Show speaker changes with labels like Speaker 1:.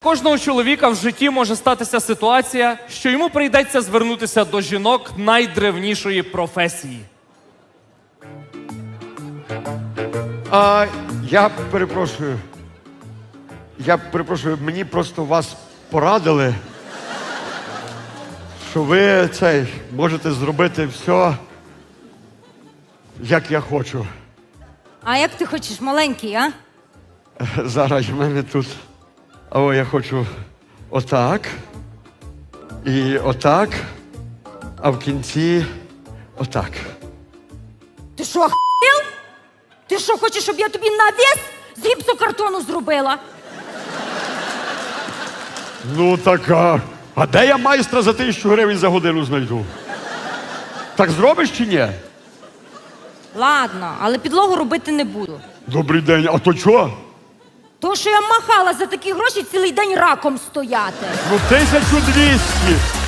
Speaker 1: Кожного чоловіка в житті може статися ситуація, що йому прийдеться звернутися до жінок найдревнішої професії.
Speaker 2: Я перепрошую. Мені просто вас порадили, що ви можете зробити все, як я хочу.
Speaker 3: А як ти хочеш, маленький, а?
Speaker 2: Зараз в мене тут. Я хочу отак. І отак. А в кінці отак.
Speaker 3: Ти що, охуєл? Ти що, хочеш, щоб я тобі навіс з гіпсокартону зробила?
Speaker 2: Ну така. А де я майстра за 1000 гривень за годину знайду? Так зробиш чи ні?
Speaker 3: Ладно, але підлогу робити не буду.
Speaker 2: Добрий день, а то чого?
Speaker 3: То, що я махала за такі гроші цілий день раком стояти.
Speaker 2: Ну 1200.